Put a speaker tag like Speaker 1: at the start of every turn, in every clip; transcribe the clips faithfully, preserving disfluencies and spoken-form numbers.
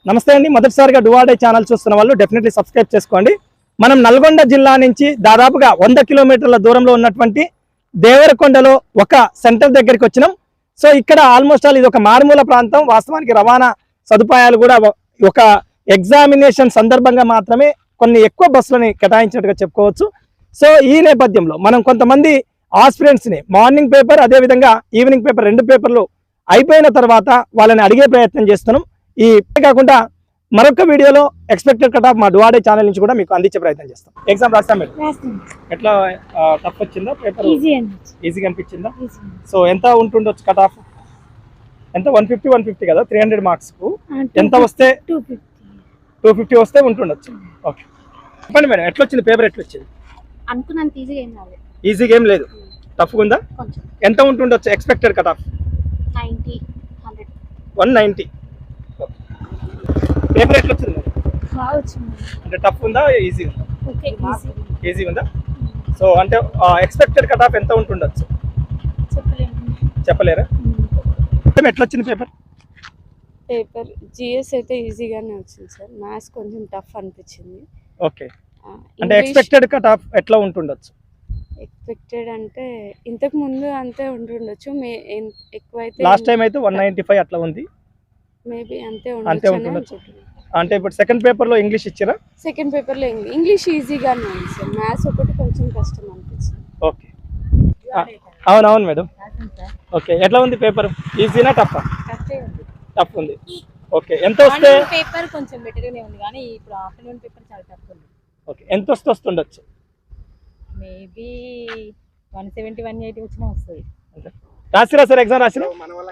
Speaker 1: నమస్తే అండి. మొదటిసారిగా డువాడే ఛానల్ చూస్తున్న వాళ్ళు డెఫినెట్లీ సబ్స్క్రైబ్ చేసుకోండి. మనం నల్గొండ జిల్లా నుంచి దాదాపుగా వంద కిలోమీటర్ల దూరంలో ఉన్నటువంటి దేవరకొండలో ఒక సెంటర్ దగ్గరికి వచ్చినాం. సో ఇక్కడ ఆల్మోస్ట్ ఆల్ ఇది ఒక మారుమూల ప్రాంతం. వాస్తవానికి రవాణా సదుపాయాలు కూడా ఒక ఎగ్జామినేషన్ సందర్భంగా మాత్రమే కొన్ని ఎక్కువ బస్సులని కేటాయించినట్టుగా చెప్పుకోవచ్చు. సో ఈ నేపథ్యంలో మనం కొంతమంది ఆస్పిరెంట్స్ని మార్నింగ్ పేపర్ అదేవిధంగా ఈవినింగ్ పేపర్ రెండు పేపర్లు అయిపోయిన తర్వాత వాళ్ళని అడిగే ప్రయత్నం చేస్తున్నాం. ఈ కాకుండా మరొక వీడియోలో ఎక్స్పెక్టెడ్ కట్ ఆఫ్ మా డువాడే ఛానల్ నుంచి కూడా మీకు అందించే ప్రయత్నం చేస్తాం. ఎగ్జామ్ రాస్తాం మేడం, ఎట్లా టఫ్ వచ్చిందా పేపర్? ఈజీగా అనిపించిందా? సో ఎంత ఉంటుండొచ్చు కట్ ఆఫ్? ఎంత? వన్ ఫిఫ్టీ వన్ ఫిఫ్టీ కదా, త్రీ హండ్రెడ్ మార్క్స్ కు ఎంత వస్తే? టూ ఫిఫ్టీ వస్తే ఉంటుండొచ్చు. ఓకే చెప్పండి మేడం, ఎట్లా వచ్చింది పేపర్? ఎట్లా వచ్చింది?
Speaker 2: అనుకున్నంత ఈజీగా ఏం రాలేదు.
Speaker 1: ఈజీగా ఏం లేదు, టఫ్గా ఉందా? ఎంత ఉంటుండొచ్చు expected cut off? One ninety. Paper ఎట్లా వచ్చింది? అంటే టఫ్ ఉందా, ఈజీ ఉందా? ఈజీ ఉందా? సో అంటే ఎక్స్పెక్టెడ్ కట్ ఆఫ్ ఎంత ఉంటుండొచ్చు చెప్పలేరా? ఎట్లా వచ్చింది పేపర్?
Speaker 3: పేపర్ జిఎస్ అయితే ఈజీగానే వచ్చింది సార్, మ్యాథ్స్ కొంచెం టఫ్ అనిపించింది.
Speaker 1: ఓకే, అంటే ఎక్స్పెక్టెడ్ కట్ ఆఫ్ ఎట్లా ఉంటుండొచ్చు?
Speaker 3: ఎక్స్పెక్టెడ్ అంటే ఇంతకు ముందు అంతే ఉంటుండొచ్చు, మే ఎక్కువైతే
Speaker 1: లాస్ట్ టైం అయితే వన్ నైంటీ ఫైవ్ అట్లా ఉంది,
Speaker 3: మేబీ అంతే
Speaker 1: అంతే ఉంటుండొచ్చు. అంటే ఇప్పుడు సెకండ్ పేపర్ లో ఇంగ్లీష్ ఇచ్చారా?
Speaker 3: సెకండ్ పేపర్ లో ఇంగ్లీష్ ఈజీగానే ఉంది సార్, మ్యాథ్స్ ఒకటి కొంచెం కష్టం అనిపించింది.
Speaker 1: ఓకే అవునవును మేడం. ఓకే ఎట్లా ఉంది పేపర్? ఈజీనా టఫ్? టఫ్ ఉంది. ఓకే ఎంత వస్తే?
Speaker 2: పేపర్ కొంచెం బెటర్ గానే ఉంది కానీ ఇప్పుడు ఆఫ్టర్నూన్ పేపర్ చాలా టఫ్ ఉంది.
Speaker 1: ఓకే ఎంత వస్తే వస్తుండొచ్చు?
Speaker 2: Maybe one seventy one eighty వచ్చినా వస్తుంది.
Speaker 1: రాసిరా సార్ ఎగ్జామ్ రాసిరా?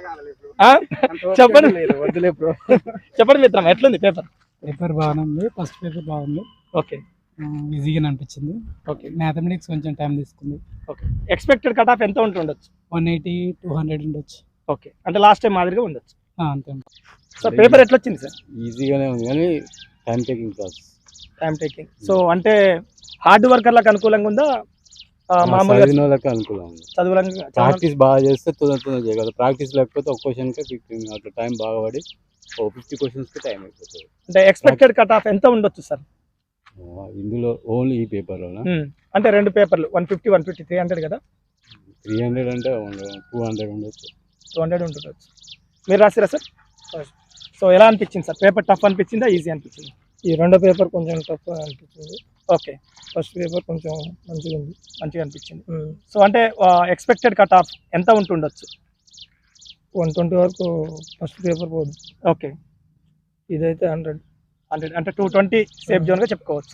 Speaker 1: చెప్పండి చెప్పండి మిత్రం, ఎట్లుంది పేపర్?
Speaker 4: పేపర్ బాగానే ఉంది, ఫస్ట్ పేపర్ బాగుంది.
Speaker 1: ఓకే
Speaker 4: ఈజీగా అనిపించింది. ఓకే మ్యాథమెటిక్స్ కొంచెం టైం తీసుకుంది.
Speaker 1: ఓకే ఎక్స్పెక్టెడ్ కట్ ఆఫ్ ఎంత ఉంటుండొచ్చు?
Speaker 4: వన్ ఎయిటీ టూ హండ్రెడ్ ఉండొచ్చు.
Speaker 1: ఓకే అంటే లాస్ట్ టైం మాదిరిగా ఉండొచ్చు.
Speaker 4: అంతే
Speaker 1: సార్ పేపర్ ఎట్లా వచ్చింది సార్?
Speaker 5: ఈజీగానే ఉంది కానీ time taking process.
Speaker 1: Time taking. So అంటే హార్డ్ వర్కర్లకు అనుకూలంగా ఉందా, మామూలుగా
Speaker 5: చదివినోళ్ళకి అనుకూలంగా ఉంది?
Speaker 1: చదువులంగా
Speaker 5: ప్రాక్టీస్ బాగా చేస్తే తొందర తొందర చేయగలరు. ప్రాక్టీస్ లేకపోతే ఒక క్వశ్చన్కి ఫిఫ్టీన్ అట్లా టైం బాగా పడి ఓ ఫిఫ్టీ క్వశ్చన్స్కి టైం అయిపోతుంది.
Speaker 1: అంటే ఎక్స్పెక్టెడ్ కట్ ఆఫ్ ఎంత ఉండొచ్చు సార్
Speaker 5: ఇందులో? ఓన్లీ ఈ పేపర్లోనా?
Speaker 1: అంటే రెండు పేపర్లు one fifty one fifty three hundred కదా?
Speaker 5: త్రీ హండ్రెడ్ అంటే టూ హండ్రెడ్ ఉండొచ్చు.
Speaker 1: టూ హండ్రెడ్ ఉంటుండొచ్చు. మీరు రాసిరా సార్? సో ఎలా అనిపించింది సార్ పేపర్? టఫ్ అనిపించిందా, ఈజీ అనిపించింది?
Speaker 6: ఈ రెండో పేపర్ కొంచెం టఫ్ అనిపించింది.
Speaker 1: ఓకే
Speaker 6: ఫస్ట్ పేపర్ కొంచెం మంచిగా ఉంది.
Speaker 1: మంచిగా అనిపించింది. సో అంటే ఎక్స్పెక్టెడ్ కట్ ఆఫ్ ఎంత ఉంటుండొచ్చు?
Speaker 6: వన్ ట్వంటీ వరకు ఫస్ట్ పేపర్ పోదు.
Speaker 1: ఓకే
Speaker 6: ఇదైతే హండ్రెడ్
Speaker 1: హండ్రెడ్ అంటే టూ ట్వంటీ సేఫ్ జోన్గా చెప్పుకోవచ్చు.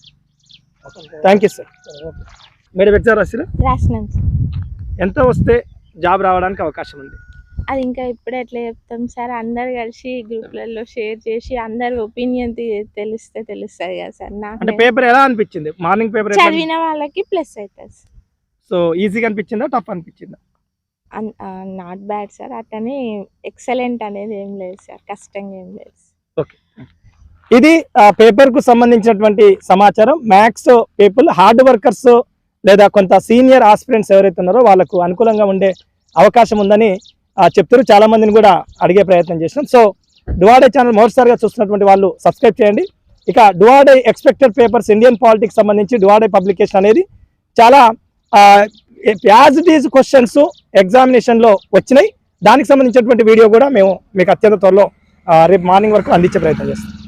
Speaker 1: Thank you sir. Madam exam రాసిరా?
Speaker 3: రాసినాం.
Speaker 1: ఎంత వస్తే జాబ్ రావడానికి అవకాశం ఉంది?
Speaker 3: అది ఇంకా ఇప్పుడే ఎట్లా చెప్తాం సార్, అందరు కలిసి గ్రూప్లలో షేర్ చేసి అందరి ఒపీనియన్ తెలిస్తే తెలుస్తుంది కదా సార్.
Speaker 1: అంటే పేపర్ ఎలా అనిపించింది? మార్నింగ్ పేపర్
Speaker 3: చదివిన వాళ్ళకి ప్లస్ అవుతుంది.
Speaker 1: సో ఈజీగా అనిపించిందా, టఫ్ అనిపించిందా?
Speaker 3: నాట్ బ్యాడ్ సార్, అట్లనే ఎక్సలెంట్ అనేది ఏం లేదు సార్, కష్టంగా ఏం లేదు.
Speaker 1: ఓకే ఇది పేపర్ కు సంబంధించినటువంటి సమాచారం. మ్యాథ్స్ పీపుల్ హార్డ్ వర్కర్స్ లేదా కొంత సీనియర్ ఆస్పిరెంట్స్ ఎవరైతే ఉన్నారో వాళ్ళకు అనుకూలంగా ఉండే అవకాశం ఉందని చెప్తారు. చాలా మందిని కూడా అడిగే ప్రయత్నం చేసినాం. సో డువాడే ఛానల్ మొదటిసారిగా చూస్తున్నటువంటి వాళ్ళు సబ్స్క్రైబ్ చేయండి. ఇక డువాడే ఎక్స్పెక్టెడ్ పేపర్స్ ఇండియన్ పాలిటిక్స్ సంబంధించి డువాడే పబ్లికేషన్ అనేది చాలా యాజ్ ఇట్ ఈజ్ క్వశ్చన్స్ ఎగ్జామినేషన్లో వచ్చినాయి. దానికి సంబంధించినటువంటి వీడియో కూడా మేము మీకు అత్యంత త్వరలో రేపు మార్నింగ్ వరకు అందించే ప్రయత్నం చేస్తాం.